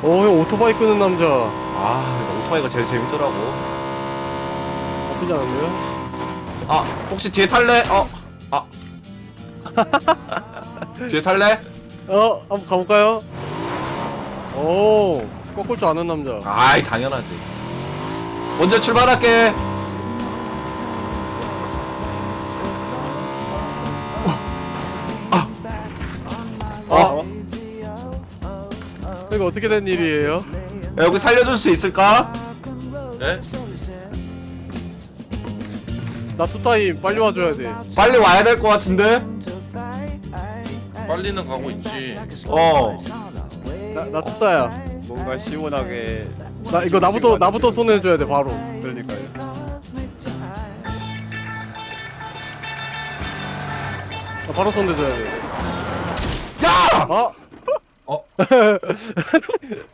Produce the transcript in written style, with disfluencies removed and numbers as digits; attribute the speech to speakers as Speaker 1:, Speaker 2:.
Speaker 1: 형 오토바이 끄는 남자.
Speaker 2: 아, 오토바이가 제일 재밌더라고.
Speaker 1: 나쁘지 않은데요?
Speaker 2: 아, 혹시 뒤에 탈래? 뒤에 탈래?
Speaker 1: 한번 가볼까요? 오, 꺾을 줄 아는 남자.
Speaker 2: 아이, 당연하지. 먼저 출발할게.
Speaker 1: 이거 어떻게 된 일이에요?
Speaker 2: 야, 여기 살려줄 수 있을까?
Speaker 3: 네?
Speaker 1: 나 투타임 빨리 와줘야 돼.
Speaker 2: 빨리 와야 될 것 같은데?
Speaker 3: 빨리는 가고 있지.
Speaker 1: 나 투타야.
Speaker 4: 뭔가 시원하게.
Speaker 1: 나 이거 나부터 손해줘야 돼 바로.
Speaker 4: 그러니까요.
Speaker 1: 나 바로 손해줘야 돼.
Speaker 2: 야!
Speaker 1: 아,